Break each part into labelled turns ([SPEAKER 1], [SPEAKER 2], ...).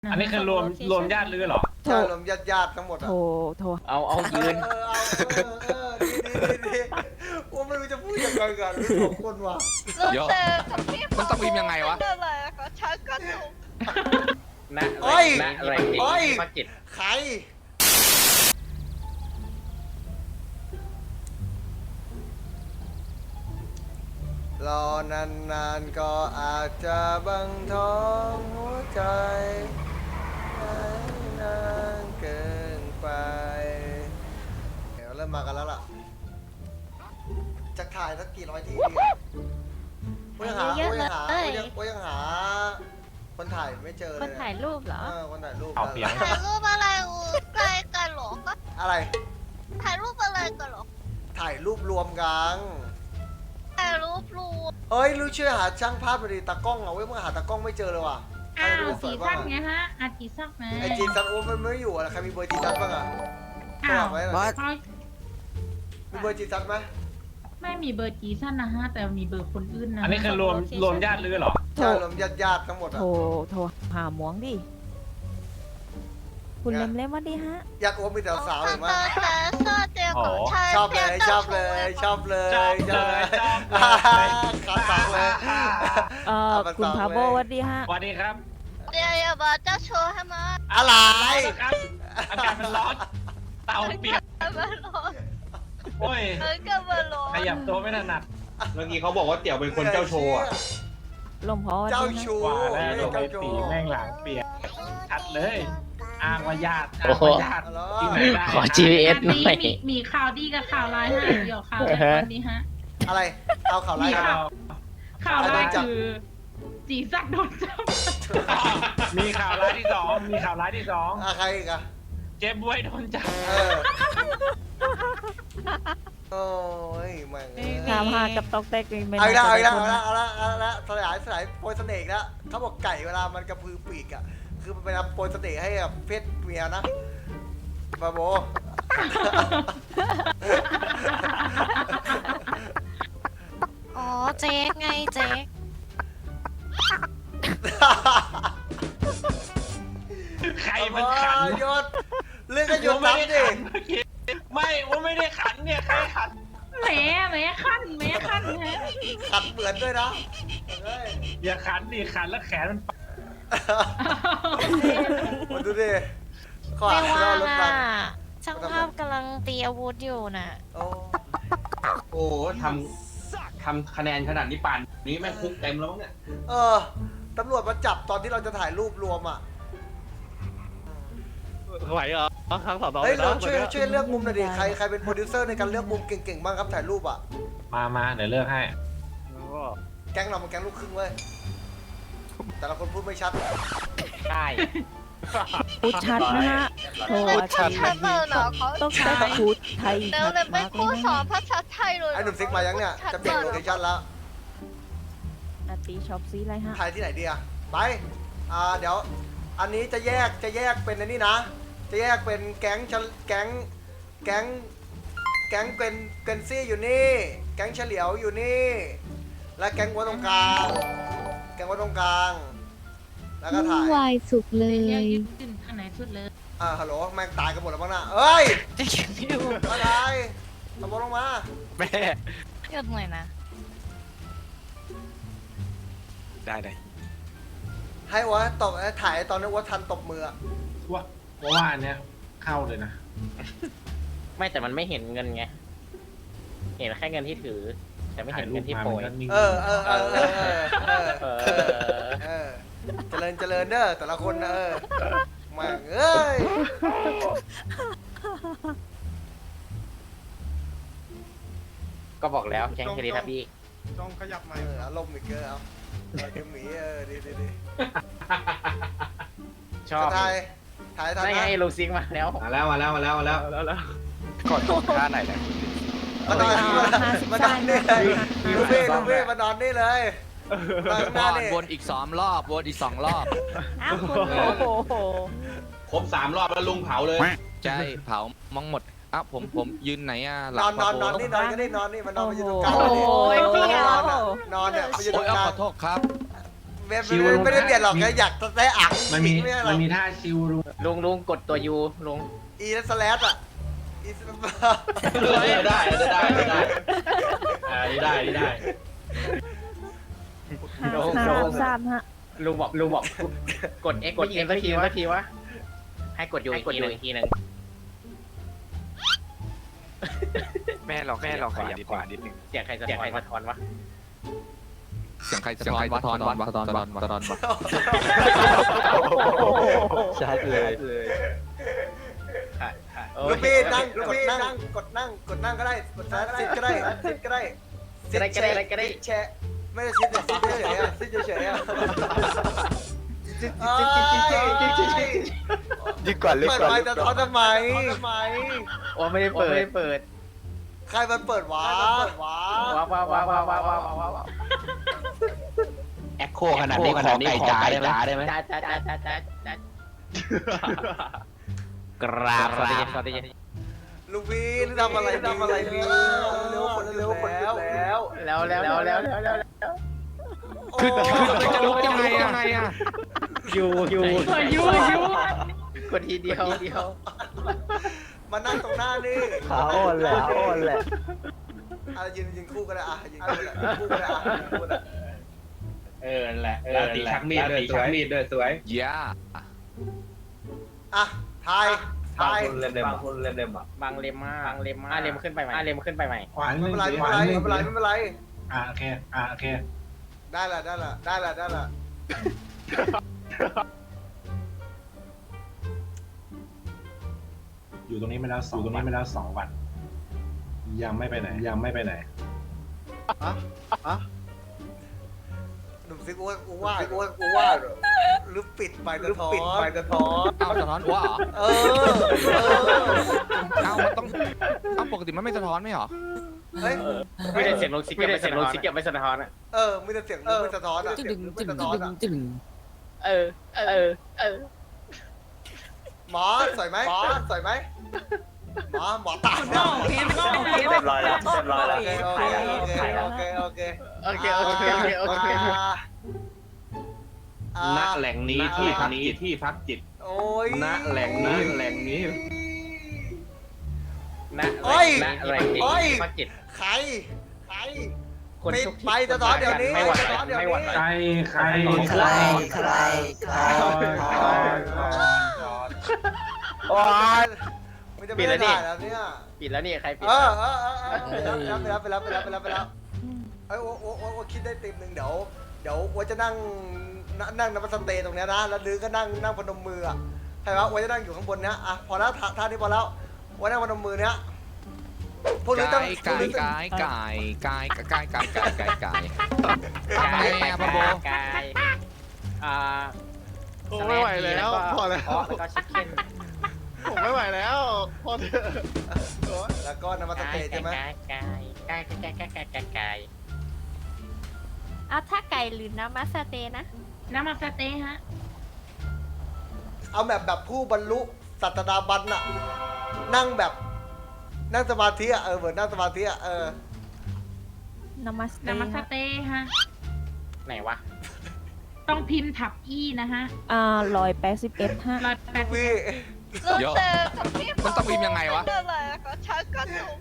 [SPEAKER 1] อันนี้คือรวมญาติลือเหรอ
[SPEAKER 2] ใช่รวมญาติทั้งหมดอ่ะ
[SPEAKER 3] โทร
[SPEAKER 4] เอายืน
[SPEAKER 2] ดีว่าไม่รู้จะพูดยังไงกันสองคนว่ะ
[SPEAKER 5] เดี๋ยวมันต้องพิมพ์ยังไงวะ
[SPEAKER 6] อะไรคะชักกระตุก
[SPEAKER 4] นะอะไรมาจิต
[SPEAKER 2] ใครรอนานๆก็อาจจะบังท้องหัวใจนานเกินไปเดี๋ยวเริ่มมากันแล้วล่ะจะถ่ายสักกี่ร้อยทีดีกูยังหาคนถ่ายไม่เจอเลย
[SPEAKER 3] คนถ่ายรูปเหรอ
[SPEAKER 2] คนถ่ายรูป
[SPEAKER 1] เอาเปลี่ยน
[SPEAKER 6] ถ่ายรูปอะไรใกล้กันหรอก็
[SPEAKER 2] อะไร
[SPEAKER 6] ถ่ายรูปอะไรกันหรอ
[SPEAKER 2] ถ่ายรูปรวมกัน
[SPEAKER 6] ถ่ายรูปรูป
[SPEAKER 2] เฮ้ยรู้ช่วยหาช่างภาพไปดิตากล้องเอาไว้เมื่อหาตากล้องไม่เจอเลยว่ะ
[SPEAKER 7] อ้าว
[SPEAKER 2] ส
[SPEAKER 7] จี
[SPEAKER 2] วย
[SPEAKER 7] ซั
[SPEAKER 2] บ้าก ง
[SPEAKER 7] ไงฮะอาจีซักนะ
[SPEAKER 2] ไอจีซันโอ้มันไม่อยู่อ่ะใครมีเบอร์จีซันบ้างอ่ะ
[SPEAKER 7] อ้าว
[SPEAKER 2] ไว้หน่อย
[SPEAKER 7] เขา
[SPEAKER 2] มีเบอร์จีซันไหม
[SPEAKER 7] ไม่มีเบอร์จีซันนะฮะ แต่มีเบอร์คนอื่นนะ
[SPEAKER 1] อันนี้คือรวมญาติลือเหรอ
[SPEAKER 2] ใช่รวมญาติทั้งหมดอ่ะ
[SPEAKER 3] โทรหาหมวงดิ คุณเล็มๆว่าดิฮะ
[SPEAKER 2] ญาติโอ้มีแต่สาวเห็นไหม
[SPEAKER 6] แต่เสื้อเตียงของชาย
[SPEAKER 2] ชอบเลยชอบเลยชอบเลย ขาสองเลย
[SPEAKER 3] คุณพาโบว่าดิฮะ
[SPEAKER 1] สวัสดีครับ
[SPEAKER 6] เดี๋ยวอย่าบอกเจ้าโชว์ให้มา
[SPEAKER 2] อะไร
[SPEAKER 1] ครับอากาศมันร้อนเตาเปียก
[SPEAKER 6] มาลง
[SPEAKER 1] โอ้ย
[SPEAKER 6] ก็มาลง
[SPEAKER 1] ขยับตัวไม่ถนัด
[SPEAKER 4] เมื่อกี้เขาบอกว่าเตี่ยวเป็นคนเจ้าโชว์อะ
[SPEAKER 3] ลมพอว่า
[SPEAKER 2] เจ้า
[SPEAKER 3] ดิฮะ
[SPEAKER 2] ชู้
[SPEAKER 1] ว่าแล้วโดน
[SPEAKER 2] เจ้า
[SPEAKER 1] ไป
[SPEAKER 2] ชู้
[SPEAKER 1] ตีแม่งหลังเปียกชัดเลย อ้างว่าญาติอ้างว่าญาติที่ไหนได้
[SPEAKER 4] ขอ GPS หน่อย
[SPEAKER 7] มีข่าวดีกับข่าวร้ายฮะเดี๋ยวข่าวแรกวันนี้ฮะ
[SPEAKER 2] อะไรเอาข่าวไร
[SPEAKER 1] ข่าว
[SPEAKER 7] ข่าวร้ายคือจีซักโดนจับ
[SPEAKER 1] มีข่าวร้ายที่สองมีข่าวร้ายที่สอง
[SPEAKER 2] ใครอีกอะ
[SPEAKER 1] เจ๊บวยโดนจับ
[SPEAKER 2] โอ้ยแม่ง
[SPEAKER 3] ถามหากับตอกแตกเป็น
[SPEAKER 2] เอาละเอาละ
[SPEAKER 3] คน
[SPEAKER 2] เอาละเอาละเอาละสลายโปรยเสน่ห์แล้วเขาบอกไก่เวลามันกระพือปีกอะคือมันเป็นโปรยเสน่ห์ให้กับเพศเมียนะบาโบ
[SPEAKER 6] อ๋อเจ๊ไงเจ๊
[SPEAKER 1] ใครมันขัน
[SPEAKER 2] ยศเรื่องก็ยศ
[SPEAKER 1] ไม่
[SPEAKER 2] น้ำ
[SPEAKER 1] ได้
[SPEAKER 2] ดิ
[SPEAKER 1] ขันเมื่อกี้ไม่ว่าไม่ได้ขันเนี่ยใครขัน
[SPEAKER 7] แหมขั้นฮะ
[SPEAKER 2] ขัดเหมือนด้วยนะเฮ้ย
[SPEAKER 1] อย่าขันดิขันแล้วแขนมัน
[SPEAKER 2] มาดูดิขอ
[SPEAKER 6] ไม่
[SPEAKER 2] อ่าน
[SPEAKER 6] ว่า
[SPEAKER 2] รถบัง
[SPEAKER 6] ช่างภาพกำลังตีอาวุธอยู่น่ะ
[SPEAKER 2] โอ้
[SPEAKER 4] โอ้ทำคะแนนขนาดนี้ป่านนี้แม่งคุกเต็มแล้วมั้งเนี่ย
[SPEAKER 2] ตำรวจมาจับตอนที่เราจะถ่ายรูปรวมอ่ะ
[SPEAKER 8] ไหวเหรอครั้งสอง
[SPEAKER 2] เฮ้ยเราช่วยเลือกมุมหน่อยดิใครเป็นโปรดิวเซอร์ในการเลือกมุมเก่งๆบ้างครับถ่ายรูปอ่ะ
[SPEAKER 1] มาเดี๋ยวเลือกให้
[SPEAKER 2] แก๊งเรามันแก๊งลูกครึ่งเว้ยแต่ละคนพูดไม่ชัด
[SPEAKER 4] ใช่
[SPEAKER 3] พูดชัดนะฮะโทร
[SPEAKER 6] พูด
[SPEAKER 3] อา
[SPEAKER 6] ชั
[SPEAKER 3] จี
[SPEAKER 6] ดๆเลยเหรอเขา
[SPEAKER 3] ต้องใช้พูดไทย
[SPEAKER 6] เดี๋ยว
[SPEAKER 3] ชัด
[SPEAKER 6] เลยไป
[SPEAKER 3] มากเล
[SPEAKER 6] คู่
[SPEAKER 3] ย
[SPEAKER 6] สอ
[SPEAKER 3] นะ
[SPEAKER 6] นภาษาไทยเลย
[SPEAKER 2] ไอ้หนุ่มซิกมายังเนี่ยจะเปลี่ยนโลเคชั่นแล้ว
[SPEAKER 3] อาตีช็อปซีอะไรฮะ
[SPEAKER 2] ถ่ายที่ไหนดีอ่ะไปเดี๋ยวอันนี้จะแยกเป็นอันนี้นะ จะแยกเป็นแก๊งเป็นซี่อยู่นี่ แก๊งเฉลียวอยู่นี่ และแก๊งวัวตรงกลางแล้วก็ถ่าย
[SPEAKER 9] วายสุดเล
[SPEAKER 7] เรียก
[SPEAKER 9] ย
[SPEAKER 7] ยืนอันไหนสุดเลย
[SPEAKER 2] ฮัลโหลแม่งตายกันหมดแล้วมั้งน่ะเอ้ย
[SPEAKER 6] จะเก็บไม่ดู
[SPEAKER 2] อะไรตะโกนลงมา
[SPEAKER 8] แม่
[SPEAKER 6] หยุดหน่อยนะ
[SPEAKER 8] ได้เลย
[SPEAKER 2] ให้วัวตบถ่ายตอนนี้วัวทันตบมือ
[SPEAKER 1] ว่าอันเนี้ยเข้าเลยนะ
[SPEAKER 4] ไม่แต่มันไม่เห็นเงินไงเห็นแค่เงินที่ถือ แต่ไม่เห็นเงินที่โปรย
[SPEAKER 2] เจริญเด้อแต่ละคนนะแม่งเอ้ย
[SPEAKER 4] ก็บอกแล้วแก๊งเครดิตครับพี่
[SPEAKER 8] ต้องขยับมา
[SPEAKER 2] อารมณ์อีกเยอะเอาเดี๋ยวหมีดี
[SPEAKER 4] ชอบ
[SPEAKER 2] ถ่าย
[SPEAKER 4] ได้ไงลูซิงมาแล้วมาแล้ว
[SPEAKER 8] แล้วกดท่าไหนเนี่ย
[SPEAKER 2] มานอนนี่เลยลูเบ้มานอนนี่เลยหน้านี่
[SPEAKER 5] วนอีก2 รอบวนอีก2 รอบ
[SPEAKER 3] อ้าวคุณโอ้โห
[SPEAKER 4] ครบ3 รอบแล้วลุงเผาเลย
[SPEAKER 5] ใช่เผามังหมดอ้าวผมยืนไหนอ่ะหลั
[SPEAKER 2] น
[SPEAKER 5] ง
[SPEAKER 2] อนนี่นอนก็ได้นอนนี่มันนอนไปอยู่ตรงกลาง
[SPEAKER 3] โอ้ย
[SPEAKER 2] นอนเนี่ยไปอยู่ต
[SPEAKER 5] โอ้
[SPEAKER 2] ร
[SPEAKER 5] ย
[SPEAKER 2] งกลาง
[SPEAKER 5] ขอโทษครับ
[SPEAKER 2] ไไม่ได้เปลี่ยนหรอกแค่อยากได้อ่าง
[SPEAKER 1] มันมี
[SPEAKER 2] ไม่ใช่หร
[SPEAKER 1] มั
[SPEAKER 2] อน ก
[SPEAKER 1] มีท่าชิวลุง
[SPEAKER 4] ลุงกดตัวยูลุง
[SPEAKER 2] อีและสแลดอ่ะอีส
[SPEAKER 8] ได้ได้
[SPEAKER 3] 553ฮะ
[SPEAKER 4] ลุงบอกกด X กด X สักทีวะให้กดยูอีกทีหนึ่ง
[SPEAKER 8] แม่ลองขยับขวานิดนึง
[SPEAKER 4] เสียงใครสะท้อนวะ
[SPEAKER 5] เสียงใครสะท้อนวะสะท้อนวะ
[SPEAKER 8] ชัดเลย
[SPEAKER 2] ลูกพี่นั่งกดนั่งก็ได้กดซิดก็ได้ซิดก็ได้แชะไม่ได้ซิดแต่ซิดเฉยๆอ่ะซิดเฉยๆอ่ะ
[SPEAKER 8] ยิ่งกว่าเล็ก
[SPEAKER 2] เปิด
[SPEAKER 8] กว่า
[SPEAKER 2] ไมค์จะท้อทำไม
[SPEAKER 4] ว่าไม่ได้เปิด
[SPEAKER 2] ใครมันเปิดวะ
[SPEAKER 4] ว้าว
[SPEAKER 8] แอคโคขนาดนี้ขอไก่จ๋าได้ไหม
[SPEAKER 4] จ้ากราบสวัสดี
[SPEAKER 2] ลูกพี่นี่ทำอะไรนี่เร็วคนแล้ว
[SPEAKER 5] คือจะลุกยังไงอ่ะ
[SPEAKER 4] ยู
[SPEAKER 7] ยู
[SPEAKER 4] กดทีเดียว
[SPEAKER 2] มานั่งตรงหน้านี่
[SPEAKER 8] ขาอ่อนแหละ
[SPEAKER 2] อะไรยืนคู่ก็ได้อ่ะยืนคู่ก็ได้อ่ะ
[SPEAKER 1] นั่นแหละตีชักมีดด้วยสวย
[SPEAKER 5] ย่า
[SPEAKER 2] อ่ะทาย
[SPEAKER 8] บางคนเล่มอ่ะ
[SPEAKER 4] บางเล็มเล็มขึ้นไปใหม่
[SPEAKER 1] ขวานห
[SPEAKER 2] ไม่
[SPEAKER 1] นึ่ง
[SPEAKER 2] เป็นไร
[SPEAKER 1] ขวานหนึ่ง
[SPEAKER 2] ไม่เป็นไร
[SPEAKER 1] โอเค
[SPEAKER 2] ได้ละ
[SPEAKER 1] อยู่ตรงนี้มาแล้ว2 วันยังไม่ไปไหน
[SPEAKER 2] หนุ่มซิกกูว่าหรือปิดไปกระท้อน
[SPEAKER 5] เอ้าสะท้อนวะเหรอ
[SPEAKER 2] เออ
[SPEAKER 5] เอ้ามันต้องเอ้าปกติมันไม่สะท้อนไม่เหรอ
[SPEAKER 2] เฮ้ย
[SPEAKER 4] ไม่ได้เสียงลงซิกเก็บไม่สะท้อนอ่ะ
[SPEAKER 2] ไม่ได้เสียงไม่สะท้อนอ่ะ หมอสวยไหมหมอตาย
[SPEAKER 7] โอเคไม่ต้องโอเค
[SPEAKER 8] เรียบร้อยแล้ว
[SPEAKER 2] โอเค
[SPEAKER 1] ณแหล่งนี้ที่พักจิต
[SPEAKER 2] โอ้ย
[SPEAKER 1] ณแหล่งนี้
[SPEAKER 4] พักจิต
[SPEAKER 2] ใคร
[SPEAKER 4] คน
[SPEAKER 2] ปิด
[SPEAKER 4] ทุก
[SPEAKER 2] ไปสะท้อนเดี๋ยวนี้
[SPEAKER 4] ไม่หวั่นไหว
[SPEAKER 1] ใคร
[SPEAKER 2] โอ้ยไม่ได้ถ่ายแล้วเนี่ย
[SPEAKER 4] ปิดแล้วนี่ใครปิด
[SPEAKER 2] ไปแล้วไอ้โอ้คิดได้ติมหนึ่งเดี๋ยวว่าจะนั่งนับสเตย์ตรงเนี้ยนะแล้วลือก็นั่งพนมมืออ่ะใครวะว่าจะนั่งอยู่ข้างบนเนี้ยอ่ะพอแล้วท่านี้พอแล้วว่านั่งพนมมือเนี้ยพวกนี้ต้อง
[SPEAKER 5] ไก่พ่อโบ
[SPEAKER 8] ไม่ไหวแล้วพอแล้ว
[SPEAKER 4] แล้วก็ชิคเก้น
[SPEAKER 8] ผมไม่ไหวแล้วพอเถอะ
[SPEAKER 2] แล้วก็นับสเตย์ใช่ไหม
[SPEAKER 4] ไก่
[SPEAKER 3] เอาถ้าไก่หรือน้ำมัสเตนะ
[SPEAKER 7] น้ำมาสเต๊ฮะ
[SPEAKER 2] เอาแบบผู้บรรลุสัตดาบันน่ะนั่งแบบนั่งสมาธิอ่ะเหมือนนั่งสมาธิอ่ะ
[SPEAKER 3] น้ำมัสเต
[SPEAKER 7] น้ำมาส
[SPEAKER 3] ฮะ
[SPEAKER 7] เต๊ฮะ
[SPEAKER 4] ไหนวะ
[SPEAKER 7] ต้องพิมพ์ถับอีนะฮะ
[SPEAKER 3] 181ฮะ
[SPEAKER 7] 180
[SPEAKER 2] พี่
[SPEAKER 5] เยอะมันต้องพิมพ์ยังไงวะ
[SPEAKER 6] อะไรก็ชักกระตุก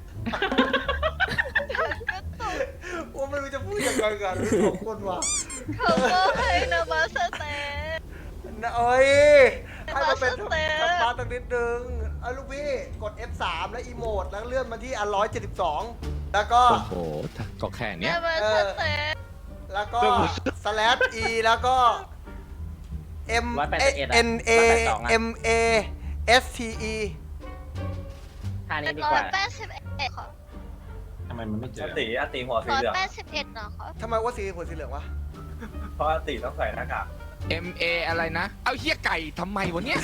[SPEAKER 2] ว่าไม่รู้จะพูดยังไงกันสองคนว่ะ
[SPEAKER 6] เขาก็ให้นามาสเต
[SPEAKER 2] เอ้ยให้มันเป็นธรรมะตั้งนิดนึงเอาลูกพี่กด F3 แล้วอีโมดแล้วเลื่อนมาที่172แล้วก็
[SPEAKER 5] โอ้โหก็แค่เนี้ย
[SPEAKER 6] นามาสเต
[SPEAKER 2] แล้วก็ /e แล้วก็ m n a m a s t e
[SPEAKER 4] ท่านี้ดีกว่า
[SPEAKER 6] 181ค่ะ
[SPEAKER 1] ทำไมมันไม่เจอ
[SPEAKER 8] อติหัวสีเหลือง
[SPEAKER 6] 181นะคะ
[SPEAKER 2] ทำไมว่าสีหัวสีเหลืองวะ
[SPEAKER 8] เพราะอติต้องใส่หน้ากาก
[SPEAKER 5] MA อะไรนะ เอาเฮียไก่ทำไมวะเนี่ย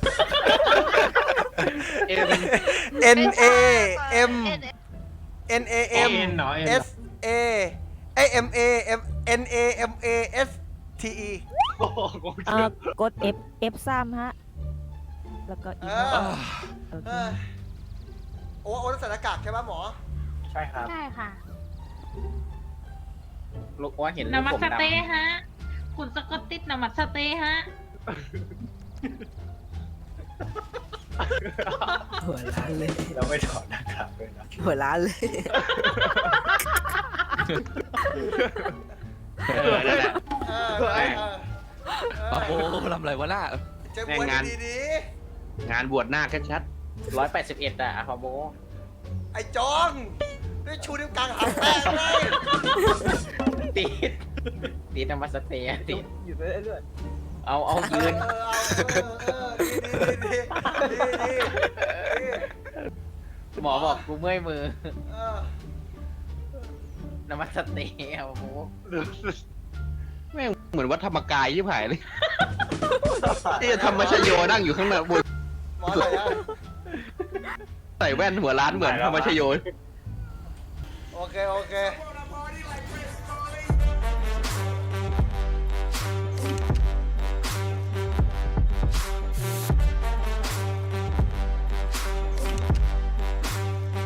[SPEAKER 2] n a m n a m s a m a m n a m a s t e
[SPEAKER 3] กด F3 ฮะ แล้วก็อีก
[SPEAKER 2] โอ้ต้องใส่หน้ากากใช่ไหมหมอ
[SPEAKER 8] ใช่ครับ
[SPEAKER 7] ใช่ค่ะ
[SPEAKER 4] ลูกว่าเห็น
[SPEAKER 7] น้ำมา
[SPEAKER 4] ผม
[SPEAKER 7] ส
[SPEAKER 4] ดำ
[SPEAKER 7] เต๊ฮะคุณสกอตติสนามัสเตย์ฮะ
[SPEAKER 9] หัวล้านเลย
[SPEAKER 1] เราไม่ถอดหน้ากากเลยนะ
[SPEAKER 9] หัวล้านเลย
[SPEAKER 8] นั่นแหละ
[SPEAKER 5] โอ้โหทำอะไรวะน่า
[SPEAKER 2] เจอวันดี
[SPEAKER 8] งานบวชหน้าชัด
[SPEAKER 4] 181อะอะพอโบ
[SPEAKER 2] ๆไอ้จองได้ชูนิ้วกลางหางแป้งเลย
[SPEAKER 4] ติดนามัสเตย์ติดอยู่เรื่อยๆเอายืน
[SPEAKER 2] ดี
[SPEAKER 4] หมอบอกกูเมื่อยมือ
[SPEAKER 2] เออ
[SPEAKER 4] นามัสเตย์อะพอโบ
[SPEAKER 8] ๆแม่งเหมือนวัดธรรมกายยิ่งหายเลยที่ธรรมชโยนั่งอยู่ข้างหน้าบน
[SPEAKER 2] หมออะไรอะ
[SPEAKER 8] ใส่แว่นหัวล้านเหมือนธรรมชโย
[SPEAKER 2] โอเค